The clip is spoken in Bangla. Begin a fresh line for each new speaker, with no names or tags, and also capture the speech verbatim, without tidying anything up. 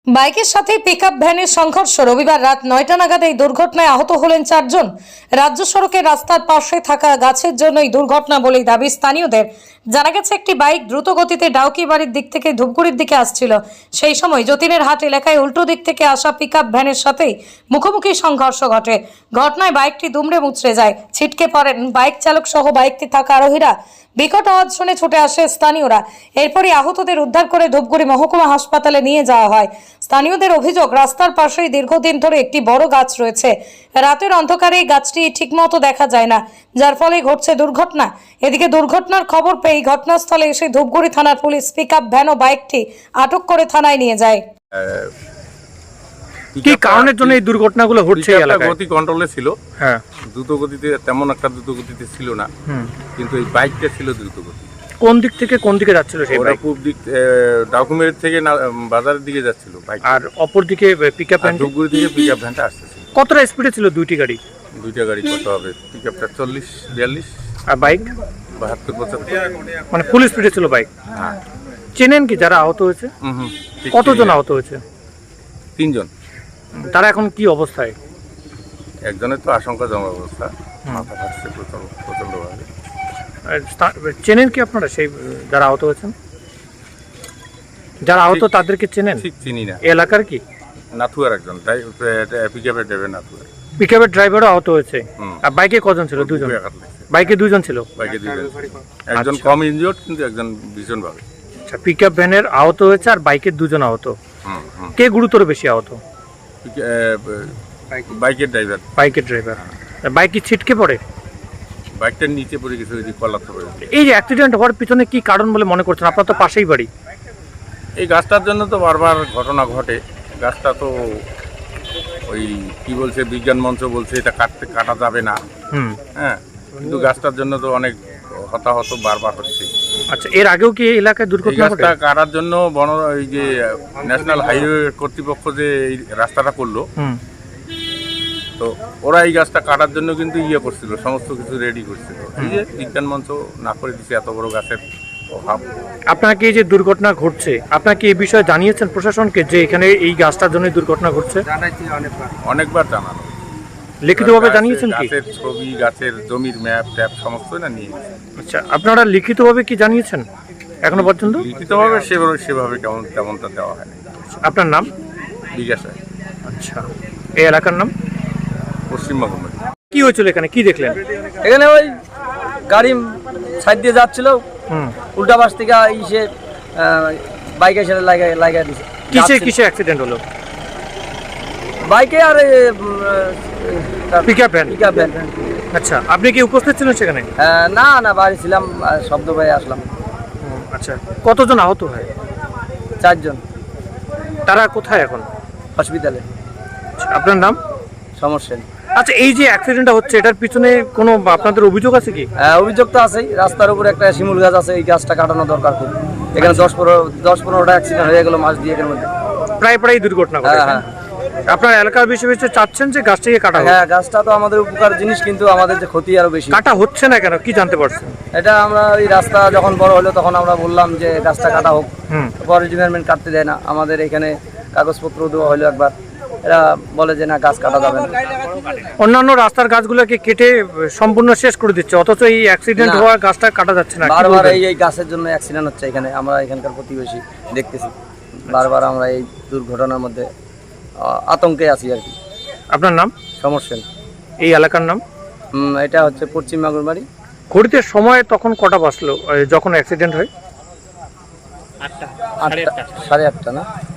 বাইকের সাথে পিকআপ ভ্যানের সংঘর্ষ। রবিবার রাত নয়টা নাগাদ এই দুর্ঘটনায় আহত হলেন চারজন। রাজ্য সড়কের রাস্তার পাশে থাকা গাছের জন্য এই দুর্ঘটনা বলেই দাবি স্থানীয়দের। জানা গেছে, একটি বাইক দ্রুত গতিতে ডাউকি বাড়ির দিক থেকে ধূপগুড়ির দিকে আসছিল। সেই সময় যতীনের হাট এলাকায় উল্টো দিক থেকে আসা পিকআপ ভ্যানের সাথেই মুখোমুখি সংঘর্ষ ঘটে। ঘটনায় বাইকটি দুমড়ে মুচড়ে যায়। ছিটকে পড়েন বাইক চালক সহ বাইকটি থাকা আরোহীরা। বিকট আওয়াজ শুনে ছুটে আসে স্থানীয়রা। এরপরই আহতদের উদ্ধার করে ধূপগুড়ি মহকুমা হাসপাতালে নিয়ে যাওয়া হয়। স্থানীয়দের অভিযোগ, রাস্তার পাশেই দীর্ঘদিন ধরে একটি বড় গাছ রয়েছে। রাতের অন্ধকারে এই গাছটি ঠিকমতো দেখা যায় না, যার ফলে ঘটছে দুর্ঘটনা। এদিকে দুর্ঘটনার খবর পেয়ে ঘটনাস্থলে এসে ধূপগুড়ি থানার পুলিশ পিকআপ ভ্যান ও বাইকটি আটক করে থানায় নিয়ে যায়।
কি কারণের জন্য এই দুর্ঘটনাগুলো ঘটছে এই এলাকায়?
গতি কন্ট্রোলে ছিল,
হ্যাঁ,
দ্রুত গতিতে তেমন একটা দ্রুত গতিতে ছিল না, কিন্তু এই বাইকটা ছিল দ্রুত গতি।
কোন দিক থেকে কোন দিকে যাচ্ছিল সেই বাইক?
পূর্ব দিক ডাকুমেন্ট থেকে বাজারের দিকে যাচ্ছিল বাইক,
আর অপর দিকে পিকআপ ভ্যান
ধূপগুড়ি থেকে পিকআপ ভ্যানটা আসতেছিল।
কতটা স্পিডে ছিল দুইটি গাড়ি?
দুইটা গাড়ি কত হবে? পিকআপটা চল্লিশ বিয়াল্লিশ
আর বাইক
বাহাত্তর পঁচাত্তর,
মানে ফুল স্পিডে ছিল বাইক।
হ্যাঁ।
চেনেন কি যারা আহত হয়েছে?
হুম হুম
কতজন আহত হয়েছে?
তিনজন।
তারা এখন কি অবস্থায়?
একজনের তো আশঙ্কাজনক অবস্থা, মাথা ফাটছে প্রচন্ড প্রচন্ডভাবে।
চেনেন কি আপনারা সেই যারা আহত হয়েছেন? যারা আহত তাদেরকে চেনেন?
ঠিক চিনি না।
এলাকার কি?
নাথুয়ার একজন, তাই পিকআপের ড্রাইভার নাথুয়ার।
পিকআপের ড্রাইভারও আহত হয়েছে। আর বাইকে কজন ছিল? দুজন। বাইকে দুজন ছিল।
বাইকে দুজন, একজন কম ইনজিওর্ড কিন্তু একজন ভীষণ ভাবে।
আচ্ছা, পিকআপ ভ্যানের আহত হয়েছে আর বাইকের দুজন আহত। কে গুরুতর বেশি আহত?
বাইকের ড্রাইভার।
বাইকের ড্রাইভার। বাইক কি ছিটকে পড়ে?
বাইকটার নিচে পড়ে গেছে, ওই যে কলাতে পড়ে।
এই যে অ্যাক্সিডেন্ট হওয়ার পিছনে কি কারণ বলে মনে করছেন? আপনার তো পাশেই বাড়ি।
এই গাছটার জন্য তো বারবার ঘটনা ঘটে। গাছটা তো ওই কি বলছে, বিজ্ঞান মঞ্চ বলছে এটা কাটতে কাটা যাবে না।
হুম,
হ্যাঁ, কিন্তু গাছটার জন্য তো অনেক হতাহত বারবার হচ্ছে।
আচ্ছা, এর আগেও কি এই এলাকায় দুর্ঘটনা ঘটে?
গাছটা কাটার জন্য বন এই যে ন্যাশনাল হাইওয়ে কর্তৃপক্ষ যে এই রাস্তাটা করলো, তো ওরা এই গাছটা কাটার জন্য কিন্তু ইয়ে করছিল, সমস্ত কিছু রেডি করছিল। এই যে বিজ্ঞান মঞ্চ না করে দিচ্ছে, এত বড় গাছের অভাব।
আপনার কি এই যে দুর্ঘটনা ঘটছে, আপনার কি এই বিষয়ে জানিয়েছেন প্রশাসনকে যে এখানে এই গাছটার জন্য দুর্ঘটনা ঘটছে?
জানাইছি অনেকবার, অনেকবার জানানো।
লিখিতভাবে জানিয়েছেন কি?
গাছের ছবি, গাছের জমির ম্যাপ ট্যাপ সমস্ত না নিয়ে।
আচ্ছা, আপনারা লিখিতভাবে কি জানিয়েছেন এখনো পর্যন্ত?
লিখিতভাবে সেভাবে সেভাবে কেমন তেমনটা দেওয়া হয়নি।
আপনার নাম?
বিকাশ।
আচ্ছা, এই এলাকার নাম?
পশ্চিমবঙ্গ।
কি হয়েছিল এখানে, কি দেখলেন?
এখানে ওই গাড়ি সাইড দিয়ে যাচ্ছিল, উল্টা পাশ থেকে ইসে বাইকে এসে লাগাই লাগাই দিছে।
কিসে কিসে অ্যাক্সিডেন্ট হলো?
বাইকে আর
পিকআপ ভ্যান।
Pickup van.
আচ্ছা, আপনি কি উপস্থিত ছিলেন সেখানে?
না না, বাড়ি ছিলাম, শব্দ পেয়ে আসলাম।
আচ্ছা, কতজন আহত হয়?
চারজন।
তারা কোথায় এখন?
হসপিটালে।
আপনার নাম?
সমস্যা।
আচ্ছা, এই যে অ্যাক্সিডেন্টটা হচ্ছে এটার পিছনে কোনো আপনাদের অভিযোগ আছে কি?
অভিযোগ তো আছেই। রাস্তার উপর একটা শিমুল গাছ আছে, এই গাছটা কাটানো দরকার খুব। এখানে দশ পনেরো দশ পনেরোটা অ্যাক্সিডেন্ট হয়ে গেল মাস দিয়ে এর মধ্যে।
প্রায় প্রায় দুর্ঘটনা ঘটে।
হ্যাঁ,
আপনার এলাকার বেশি বেশি চাচ্ছেন যে গাছটাকে কাটা হোক?
হ্যাঁ, গাছটা তো আমাদের উপকার জিনিস, কিন্তু আমাদের যে ক্ষতি আরো বেশি।
কাটা হচ্ছে না কেন, কি জানতে পারছেন?
এটা আমরা এই রাস্তা যখন বড় হলো তখন আমরা বললাম যে গাছটা কাটা হোক, পরে ডিপার্টমেন্ট কাটতে দেয় না। আমাদের এখানে কাগজপত্র দেওয়া হলো একবার, এরা বলে যে না, গাছ কাটা যাবে না।
অন্যান্য রাস্তার গাছগুলোকে কেটে সম্পূর্ণ শেষ করে দিচ্ছে, অথচ এই অ্যাক্সিডেন্ট হওয়া গাছটা কাটা যাচ্ছে না।
বারবার এই এই গাছের জন্য অ্যাক্সিডেন্ট হচ্ছে এখানে, আমরা এখানকার প্রতিবেশী দেখতেছি। বারবার আমরা এই দুর্ঘটনার মধ্যে আতঙ্কে আছি আর কি।
আপনার নাম?
সমস্যা।
এই এলাকার নাম?
এটা হচ্ছে পশ্চিম মাগুরবাড়ি।
ঘড়িতে সময় তখন কটা বাজলো যখন অ্যাক্সিডেন্ট হয়?
আটটা সাড়ে আটটা না?